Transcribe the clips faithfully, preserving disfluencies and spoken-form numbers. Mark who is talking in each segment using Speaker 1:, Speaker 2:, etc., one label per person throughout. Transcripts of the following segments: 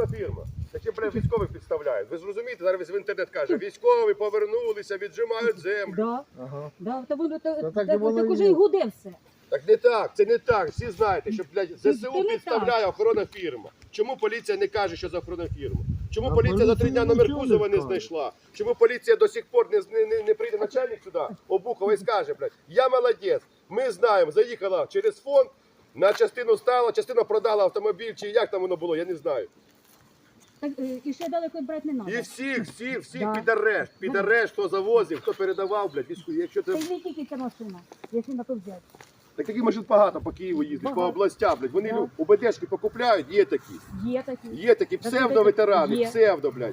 Speaker 1: охоронна фірма. Такі прям військових підставляють. Ви зрозумієте, зараз в інтернет каже, військові повернулися, віджимають землю.
Speaker 2: Да.
Speaker 3: Ага.
Speaker 2: Да, та воно та,
Speaker 3: Та
Speaker 2: та,
Speaker 3: так і воно
Speaker 2: так
Speaker 3: і
Speaker 2: уже
Speaker 3: є.
Speaker 2: і гуде все.
Speaker 1: Так не так, це не так. Всі знаєте, що, блядь,
Speaker 2: Це
Speaker 1: ЗСУ
Speaker 2: не
Speaker 1: підставляє охоронна фірма. Чому поліція не каже, що за охоронна фірма? Чому
Speaker 3: А
Speaker 1: поліція за три
Speaker 3: поліція
Speaker 1: дня номер
Speaker 3: нічого не
Speaker 1: кузова не
Speaker 3: каже.
Speaker 1: знайшла? Чому поліція до сих пор не, не, не, не прийде начальник сюди, Обухова, і скаже, блядь, я молодець, ми знаємо, заїхала через фонд, на частину стала, частину продала автомобіль, чи як там воно було, я не знаю.
Speaker 2: Так, е, і ще далеко брати не
Speaker 1: І
Speaker 2: треба.
Speaker 1: всіх, всіх, всіх
Speaker 2: Да.
Speaker 1: під арешт, під арешт, хто завозив, хто передавав, блядь, війську. Якщо
Speaker 2: Це
Speaker 1: це...
Speaker 2: не тільки ця машина, якщо на то взяти.
Speaker 1: Так таких машин багато по Києву їздять, по
Speaker 2: Багато.
Speaker 1: областях, блядь. Вони
Speaker 2: Да.
Speaker 1: у УБДшки покупляють, є такі.
Speaker 2: Є такі.
Speaker 1: Є такі псевдо-ветерани,
Speaker 2: Є.
Speaker 1: псевдо, блядь.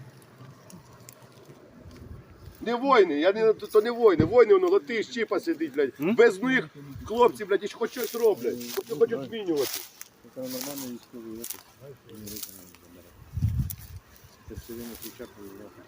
Speaker 1: Не воїни, я не, то, то не воїни, воїни, воно латиш, чіпа сидить, блядь. Без них хлопці, блядь, і хоч щось роблять, хоч хочуть змінювати.
Speaker 3: Це нормально військовий опит. Знаєш, що вони руки не забирають. Це все время кричать, виявляти.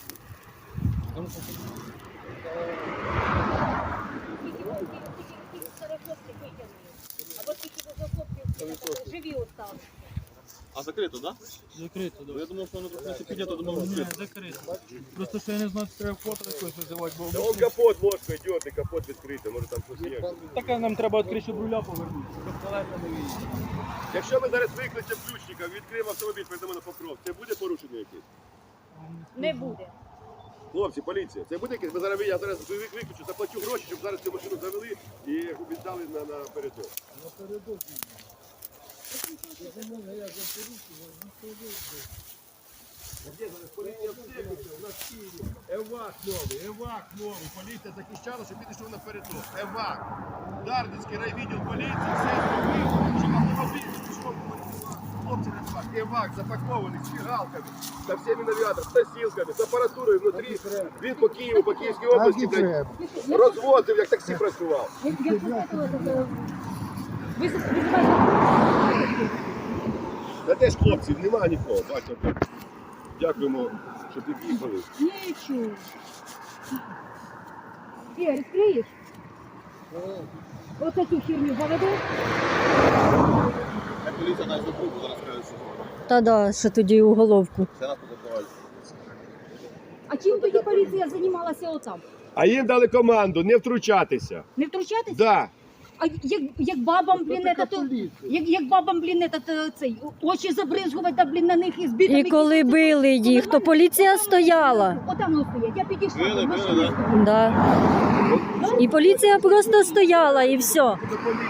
Speaker 2: Або тільки хлопці живі осталися.
Speaker 4: А закрито, так?
Speaker 5: Закрито,
Speaker 4: Да?
Speaker 5: да.
Speaker 4: Я думав, що воно трохи піднято, думав,
Speaker 5: Ні,
Speaker 4: закрито.
Speaker 5: закрито. Просто що я не знаю, чи треба фото якось визивати, бо
Speaker 1: Та он капот ложкою йде, і капот відкритий, може там щось є.
Speaker 5: таке нам треба відкрити, щоб руля повернути, щоб колеса не виїхали.
Speaker 1: Якщо ми зараз викличемо ключника, відкриємо автомобіль, передамо на покров, це буде порушення якесь?
Speaker 2: Не буде.
Speaker 1: Хлопці, поліція, це буде якесь? Ми зараз, я зараз виключу, заплачу гроші, щоб зараз цю машину завели і віддали на, на передок. Поліція все виключила, у нас в Києві евак новий, евак новий, поліція захищала, щоб підійшов на передок. Евак. Дарницький райвідділ поліції, все зробив, щоб автомобіль пішов по хлопці на евак. Евак запакований з фігалками, со всіми навігаторами, з носілками, з апаратурою внутрі. Він по Києву, по Київській області,
Speaker 3: Так і
Speaker 1: блядь,
Speaker 3: треба.
Speaker 1: розвозив, як таксі працював.
Speaker 2: Як як це ви визиваєте?
Speaker 1: Та де ж хлопців, нема нікого, бачите. Дякуємо, що під'їхали.
Speaker 2: Нічого. Ігор, відкриєш? Оце цю херню заведу?
Speaker 4: Як поліція навіть закруту, зараз кажуть, що
Speaker 6: Та да, що тоді уголовку.
Speaker 4: це нас позакривали.
Speaker 2: А чим тоді поліція займалася отам?
Speaker 1: А їм дали команду не втручатися.
Speaker 2: Не втручатися?
Speaker 1: Да.
Speaker 2: А як, як бабам, блін,
Speaker 3: така
Speaker 2: это, то,
Speaker 3: поліція.
Speaker 2: як, як бабам, блін, это, то, цей, очі забризгувати, та, блін, на них із бітами.
Speaker 6: І коли били їх, то поліція стояла.
Speaker 2: Отам воно стоять, я підійшла.
Speaker 4: Били,
Speaker 2: там,
Speaker 4: били,
Speaker 2: машини
Speaker 4: да.
Speaker 2: стоять.
Speaker 6: Да. І поліція просто стояла, і все.
Speaker 1: Чому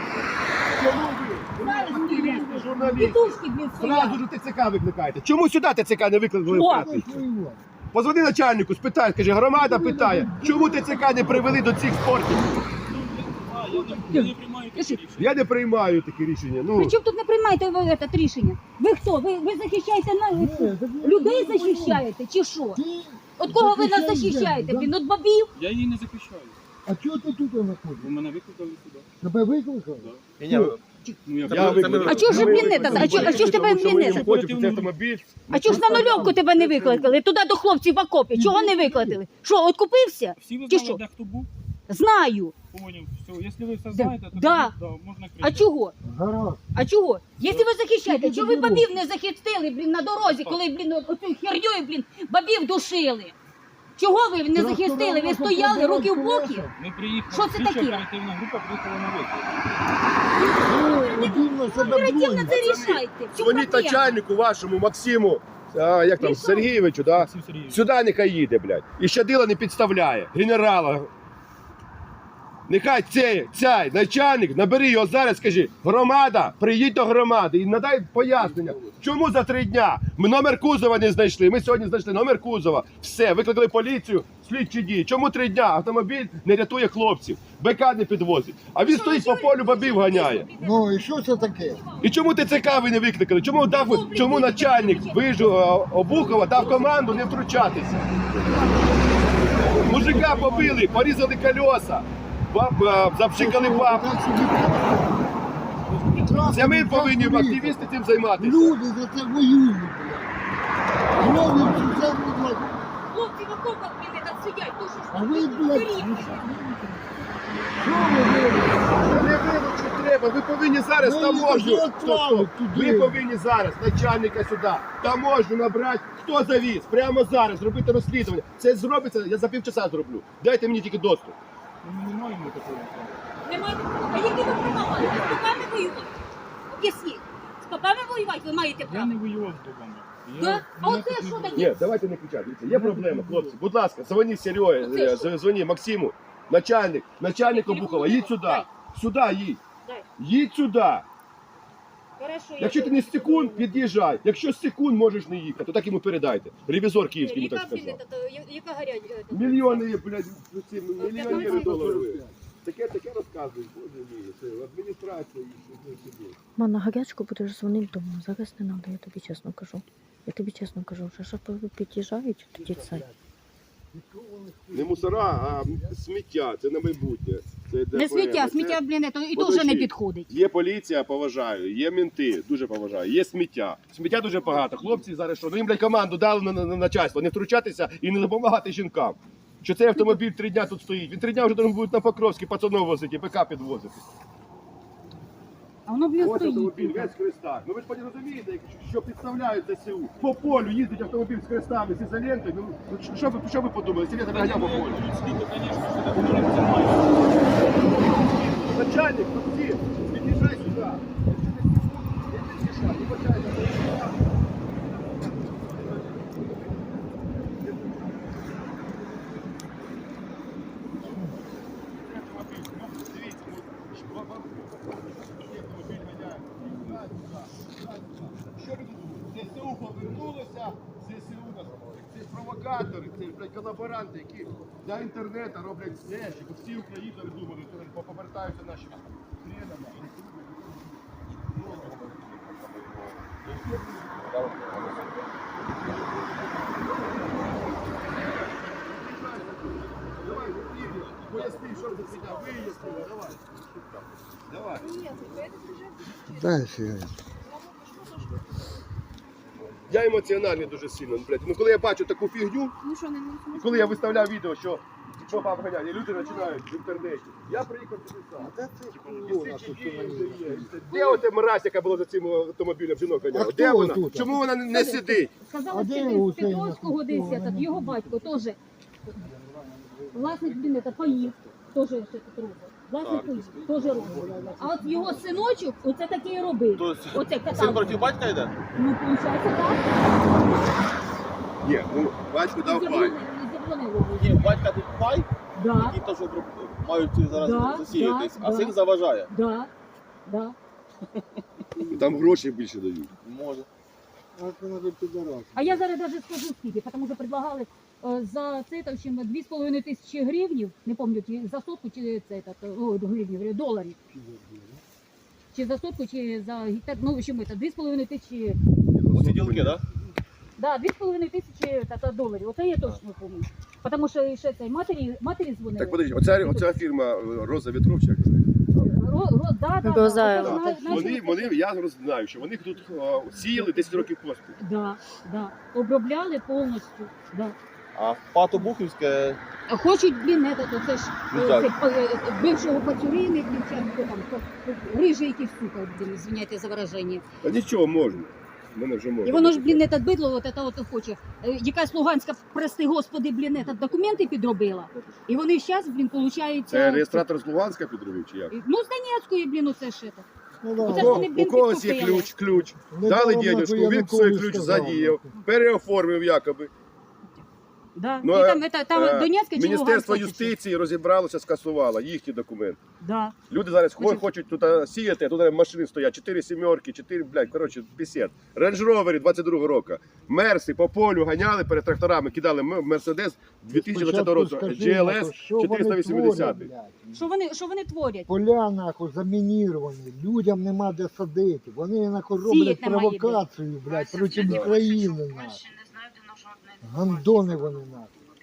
Speaker 1: ви?
Speaker 2: Зараз стоять.
Speaker 1: Журналісти.
Speaker 2: Тітушки, блін,
Speaker 1: Зразу
Speaker 2: стоять.
Speaker 1: ж ТЦК викликаєте. Чому сюди ТЦК не викликали?
Speaker 2: О!
Speaker 1: вкратце? Позвони начальнику, спитай, скажи, громада питає, чому ТЦК не привели до цих спортів?
Speaker 5: А, я не, я не приймаю такі рішення.
Speaker 1: Я не приймаю такі рішення. Ну,
Speaker 2: Причому тут не приймаєте ви це рішення? Ви хто? Ви, ви захищаєте на... людей захищаєте чи що? От кого ви нас захищаєте, блін? От бабів?
Speaker 5: Я її не захищаю,
Speaker 3: А чого ти тут
Speaker 5: бо
Speaker 3: знаходишся?
Speaker 5: мене викликали сюди.
Speaker 3: Тебе викликали?
Speaker 4: Ні, ні,
Speaker 5: Ну, я,
Speaker 1: я
Speaker 4: ви-
Speaker 1: викликав.
Speaker 2: А чого ж
Speaker 1: Ми
Speaker 2: він не
Speaker 1: викликали,
Speaker 2: так? А чого- а чого ж тебе
Speaker 1: тому що ми
Speaker 2: він не
Speaker 1: їм
Speaker 2: так?
Speaker 1: хочемо цей автомобіль.
Speaker 2: А чого ж на нульовку тебе не викликали? Туди до хлопців в окопі. Чого не викликали? Що, откупився?
Speaker 5: всі ви
Speaker 2: Чи
Speaker 5: знали,
Speaker 2: що?
Speaker 5: де хто був?
Speaker 2: Знаю.
Speaker 5: Поняв, все. Якщо ви все
Speaker 2: Да.
Speaker 5: знаєте, то
Speaker 2: Да.
Speaker 5: тоді, да, можна кричати.
Speaker 2: А чого?
Speaker 3: Гаразд.
Speaker 2: А чого? Якщо ви захищаєте, чого ви бабів не захистили, блін, на дорозі, коли, блін, оцю херньою, блін, бабів душили? Чого ви не захистили? Ви стояли, руки в боки?
Speaker 5: Ми приїхали,
Speaker 2: Що це
Speaker 5: слідча
Speaker 2: таке?
Speaker 5: оперативна група приїхала на виклик.
Speaker 3: Дивно себе
Speaker 2: Оперативно
Speaker 3: двоє.
Speaker 2: це рішайте. В чому
Speaker 1: Дзвоніть
Speaker 2: проблема?
Speaker 1: начальнику вашому, Максиму, а, як там,
Speaker 2: Рішайте.
Speaker 1: Сергійовичу, да?
Speaker 5: Максим Сергійович.
Speaker 1: Сюди нехай їде, блядь. І щадила не підставляє. Генерала. Нехай цей, цей начальник, набери його зараз, скажи, громада, приїдь до громади і надай пояснення, чому за три дня ми номер кузова не знайшли. Ми сьогодні знайшли номер кузова. Все, викликали поліцію, слідчі дії. Чому три дня автомобіль не рятує хлопців, БК не підвозить, а він стоїть по полю, бабів ганяє.
Speaker 3: Ну і що це таке?
Speaker 1: І чому ТЦК ви не викликали? Чому дав, чому начальник вижу Обухова дав команду не втручатися? Мужика побили, порізали колеса, баб- а, запшикали баб.
Speaker 3: Так собі.
Speaker 1: Це ми повинні активісти цим займатися.
Speaker 3: Люди за це воюють, блядь. Знову цю землю, блядь.
Speaker 2: Хлопці в окопах, блін, там сидять, то що ж
Speaker 3: А ви,
Speaker 2: ви
Speaker 3: блядь,
Speaker 2: горіхи?
Speaker 1: Що ви вилучите? Не вилучити треба, ви повинні зараз
Speaker 7: Ну,
Speaker 1: таможню.
Speaker 7: їх відправили туди.
Speaker 1: Ви повинні зараз начальника сюди, таможню набрати, хто завіз, прямо зараз, зробити розслідування. Це зробиться, я за півчаса зроблю. Дайте мені тільки доступ.
Speaker 5: Ми не маємо такого права.
Speaker 2: Немає. А які ви права маєте? З попами воювати? Об'ясніть. З попами воювати ви маєте
Speaker 5: Я
Speaker 2: право?
Speaker 5: не воював з богами.
Speaker 2: Да? А оце що таке?
Speaker 1: Ні, давайте не кричати. Дивіться, є проблема, хлопці. Будь ласка, дзвоні Сереге,
Speaker 2: Оце що?
Speaker 1: е, дзвоні Максиму, начальник, начальник
Speaker 2: Телефон
Speaker 1: Обухова, їдь сюди.
Speaker 2: дай.
Speaker 1: Сюди їдь.
Speaker 2: Дай.
Speaker 1: Їдь сюди.
Speaker 2: Хорошо, я
Speaker 1: Якщо ти не з секунд, під'їжджай. Якщо з секунд можеш не їхати, то так йому передайте. Ревізор київський мені так
Speaker 2: Яка, блін,
Speaker 1: сказав.
Speaker 2: та- та- яка гаряча? та-
Speaker 1: Мільйони, блядь, ці мільйонери
Speaker 2: п'ятнадцять
Speaker 1: доларів. Таке, таке розказують, боже мій, це адміністрація їх сюди.
Speaker 6: Ма, на гарячку будеш дзвонити вдома. Зараз не треба, я тобі чесно кажу. Я тобі чесно кажу, вже що під'їжджають, тоді це.
Speaker 1: Не мусора, а сміття, це на майбутнє. Це
Speaker 2: Не
Speaker 1: ДФР.
Speaker 2: сміття,
Speaker 1: Це-
Speaker 2: сміття, блін, то і то
Speaker 1: Подожди.
Speaker 2: вже не підходить.
Speaker 1: Є поліція, поважаю, є мінти, дуже поважаю, є сміття. Сміття дуже багато. Хлопці зараз що? Ну їм, блядь, команду дали на, на, на начальство, не втручатися і не допомагати жінкам. Що цей автомобіль три дня тут стоїть. Він три дня вже должен буде на Покровський пацанов возити, ПК підвозити.
Speaker 2: А воно, блін,
Speaker 1: Ось
Speaker 2: стоїть.
Speaker 1: автомобіль, весь в хрестах. Ну ви ж потім розумієте, якщо- що підставляють ЗСУ. По полю їздить автомобіль з хрестами, з ізолентою. Ну, ну, що, ви, що ви подумали? Сілета наганяв по полю. Начальник, тут всі, під'їжджай сюди. Якщо ти секунд, не під'їжджай, не бачай, не під'їжджай. Що ви тут думаєте? ЗСУ повернулося, ЗСУ нас, це ж провокатори, це ж, блядь, колаборанти, які для інтернету роблять все, щоб всі українці думали, що повертаються наші хренами. Давай, Ігор, поясни, що за фігня, вияснили, давай. Давай.
Speaker 7: Дай сигарету.
Speaker 1: Я емоціональний дуже сильно. Блядь. Ну коли я бачу таку фігню, і коли я виставляв відео, що що баб ганяє, і люди починають в інтернеті. Я приїхав туди сам. І слідчі дії вже є. Де оте мразь, яка була за цим автомобілем, жінок ганяла?
Speaker 7: А
Speaker 1: Де
Speaker 7: хто
Speaker 1: вона?
Speaker 7: тут?
Speaker 1: Чому вона не, не сидить?
Speaker 2: Сказали,
Speaker 7: А де
Speaker 2: що
Speaker 7: у
Speaker 2: з
Speaker 7: цей
Speaker 2: Петровського десь,
Speaker 7: нахуй?
Speaker 2: этот, його батько теж. Власник, блін, это поїв, теж ще тут робить. Власник поїв, теж робить. А от його синочок, оце таке і робив.
Speaker 4: Тобто
Speaker 2: Оце
Speaker 4: син
Speaker 2: катав.
Speaker 4: проти батька йде?
Speaker 2: Ну, виходить, так.
Speaker 1: Ні, ну батько дав пай.
Speaker 2: Не заборонили.
Speaker 4: Ні, батька тут пай,
Speaker 2: Да,
Speaker 4: які теж мають зараз
Speaker 2: Да,
Speaker 4: засіятись,
Speaker 2: да,
Speaker 4: а
Speaker 2: да.
Speaker 4: син заважає.
Speaker 2: да, да.
Speaker 1: Там гроші більше дають.
Speaker 4: Може.
Speaker 7: А це надо підарас.
Speaker 2: А я зараз навіть скажу скільки, тому що предлагали е, за це там ще дві з половиною тисячі гривнів, не пам'ятаю, чи за сотку, чи це, так, о, гривнів, говорю, доларів. Чи за сотку, чи за гектар, ну, в общем, це дві з половиною тисячі,
Speaker 4: Оці ділки, так?
Speaker 2: да, дві з половиною тисячі та, та, доларів, оце я точно пам'ятаю. Тому що ще цей матері, матері дзвонили.
Speaker 1: Так подожди, оця, оця фірма е, Роза Вітровчик.
Speaker 2: Ро, ро, да, да,
Speaker 6: Розаєва.
Speaker 2: да,
Speaker 1: Так,
Speaker 2: Зна-
Speaker 1: Вони,
Speaker 2: знаєш,
Speaker 1: вони, я знаю, що вони тут е, сіяли десять років поспіль.
Speaker 2: Да, да, обробляли повністю, да.
Speaker 4: А Пато Бухівське,
Speaker 2: А хочуть, блін, это, це ж
Speaker 4: Ну,
Speaker 2: е,
Speaker 4: так.
Speaker 2: це, е, е, бившого пацюрини, блін, чи хто там, хто- хто- рижий якийсь, сука, блін, звиняйте за вираження.
Speaker 1: Та нічого можна. Мене вже можна.
Speaker 2: І воно ж, блін, это бидло, от это от хоче. Е, Якась Луганська, прости господи, блін, этот, документи підробила. І вони зараз, блін, получають...
Speaker 1: Це реєстратор з Луганська підробив чи як?
Speaker 2: Ну, з Донецької, блін, оце ж это.
Speaker 7: Ну,
Speaker 1: У,
Speaker 7: да.
Speaker 2: Оце ж
Speaker 1: кого-
Speaker 2: вони, блін,
Speaker 1: у когось є
Speaker 2: підкупили.
Speaker 1: ключ, ключ.
Speaker 7: Не
Speaker 1: Дали
Speaker 7: давно
Speaker 1: денежку, він
Speaker 7: Янукович
Speaker 1: свій ключ
Speaker 7: сказав.
Speaker 1: задіяв, переоформив якоби.
Speaker 2: Да.
Speaker 1: Ну,
Speaker 2: і
Speaker 1: е,
Speaker 2: там, это, там
Speaker 1: Е,
Speaker 2: Донецька чи
Speaker 1: Міністерство
Speaker 2: Луганська, чи що?
Speaker 1: юстиції розібралося, скасувало їхні документи.
Speaker 2: Да.
Speaker 1: Люди зараз хо-
Speaker 2: Значить-
Speaker 1: хочуть тут а, сіяти, а тут машини стоять, чотири сімерки, чотири, блядь, коротше, пісет. Рейндж Ровери двадцять другого року. Мерси по полю ганяли перед тракторами, кидали М- Мерседес дві тисячі двадцятого року.
Speaker 7: Спочатку
Speaker 1: джі ел ес
Speaker 7: скажи, що вони
Speaker 1: чотириста вісімдесят.
Speaker 7: творять, блядь?
Speaker 2: Що вони, що вони творять?
Speaker 7: Поля нахуй замініровані, людям нема де садити. Вони нахуй роблять
Speaker 2: Сіять немає де.
Speaker 7: провокацію, блядь, проти України нахуй. Гандони вони нахуй.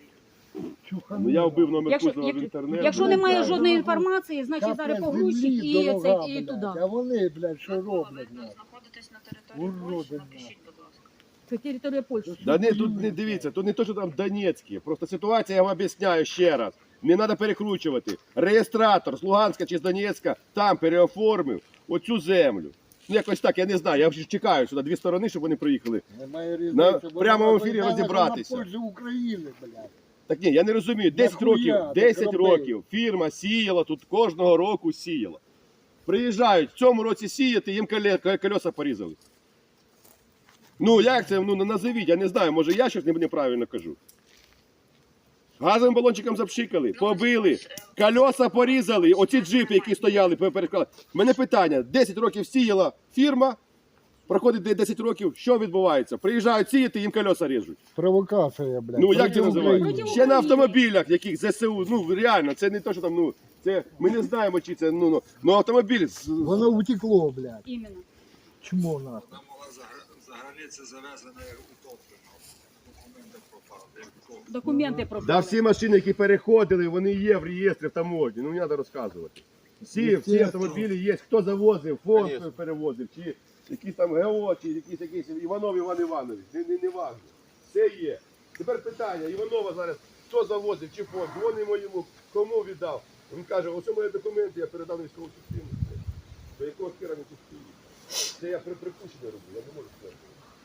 Speaker 1: Ну я вбив номер
Speaker 2: Якщо,
Speaker 1: Кузова в
Speaker 2: як,
Speaker 1: інтернет.
Speaker 2: якщо
Speaker 1: ну,
Speaker 2: немає
Speaker 1: так.
Speaker 2: жодної інформації, значить
Speaker 7: Капля
Speaker 2: зараз
Speaker 7: землі,
Speaker 2: погрузчик і,
Speaker 7: дорога,
Speaker 2: це, і
Speaker 7: блядь.
Speaker 2: туди.
Speaker 7: А вони, блядь, що роблять?
Speaker 8: Ви
Speaker 7: нахуй?
Speaker 8: знаходитесь на території
Speaker 7: Уроди,
Speaker 8: Польщі,
Speaker 7: нахуй.
Speaker 8: напишіть, будь ласка.
Speaker 2: Це територія Польщі.
Speaker 1: Да не, тут не дивіться, тут не то, що там Донецькі. Просто ситуація, я вам об'ясняю ще раз. Не треба перекручувати. Реєстратор з Луганська чи з Донецька там переоформив оцю землю. Ну якось так, я не знаю. Я вже чекаю сюди дві сторони, щоб вони приїхали.
Speaker 7: Немає
Speaker 1: На
Speaker 7: різниці. бо
Speaker 1: прямому
Speaker 7: вона
Speaker 1: ефірі
Speaker 7: визнала,
Speaker 1: розібратися.
Speaker 7: що На пользу України, блядь.
Speaker 1: Так ні, я не розумію. десять
Speaker 7: Нахуя
Speaker 1: років,
Speaker 7: ти
Speaker 1: десять
Speaker 7: робив?
Speaker 1: років фірма сіяла тут кожного року сіяла. Приїжджають в цьому році сіяти, їм коле- колеса порізали. Ну як це, ну назовіть, я не знаю, може я щось неправильно кажу. Газовим балончиком запшикали, побили, колеса порізали, оці джипи, які стояли, переклали. Мене питання, десять років сіяла фірма, проходить десять років, що відбувається? Приїжджають сіяти, їм колеса ріжуть.
Speaker 7: Провокація, блядь.
Speaker 1: Ну як
Speaker 7: проти
Speaker 1: це називається?
Speaker 7: України.
Speaker 1: Ще на автомобілях, яких ЗСУ, ну реально, це не те, що там, ну, це, ми не знаємо, чи це, ну, ну, ну автомобіль, з-
Speaker 7: Воно утекло, блядь.
Speaker 2: Іменно.
Speaker 7: Чмо нахуй.
Speaker 8: Вона була за, за границі завезена утоплена. Документи пропали. як кого.
Speaker 2: Документи
Speaker 1: да,
Speaker 2: пропали.
Speaker 1: всі машини, які переходили, вони є в реєстрі в таможні, ну не треба розказувати. Всі, всі автомобілі є, хто завозив, фонд
Speaker 4: Конечно.
Speaker 1: перевозив, чи якісь там ГО, чи якісь, якісь Іванов Іван Іванович, не, не, не важно. Все є. Тепер питання, Іванова зараз, хто завозив, чи фонд, дзвонимо йому, кому віддав. Він каже, ось у мої документи, я передав на військову частину. До якого хера не тут стоїть? Це я при припущення роблю, я не можу сказати.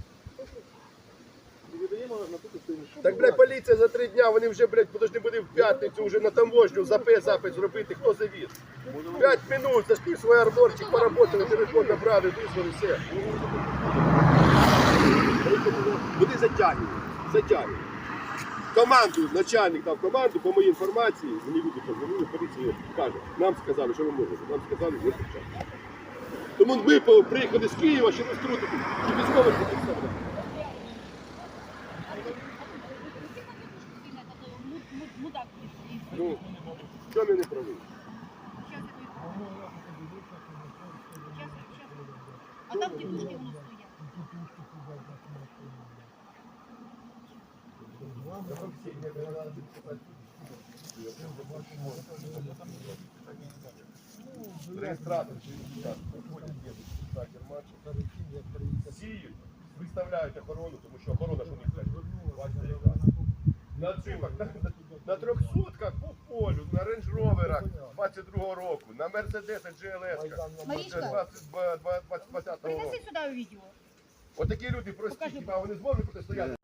Speaker 1: Так, блядь, поліція за три дня, вони вже, блядь, подожди, буде в п'ятницю вже на таможню за П запит зробити, хто завіз. П'ять минут, зашли в свій арборчик, поработали, телефон набрали, визвали, все. Вони затягнені, затягнені. Команду, начальник дав команду, по моїй інформації, мені люди позвонили, поліція каже, нам сказали, що ви можете, нам сказали, не почати. Тому ми по- приїхали з Києва, щоб втрутити, щоб військових не підставляти. Ну, що ми не праві?
Speaker 2: А там тітушки воно стоять.
Speaker 1: Реєстратор, приходять діти, стартер матчу, сіють, виставляють охорону, тому що охорона ж у них так, бачите, яка. На джипах, на, на, на трьохсотках по полю, на рейндж-роверах двадцять другого року, на Мерседесах джі ел ес
Speaker 2: Марічка,
Speaker 1: двадцятого року.
Speaker 2: принеси сюди відео.
Speaker 1: Отакі люди прості, хіба вони зможуть протистояти?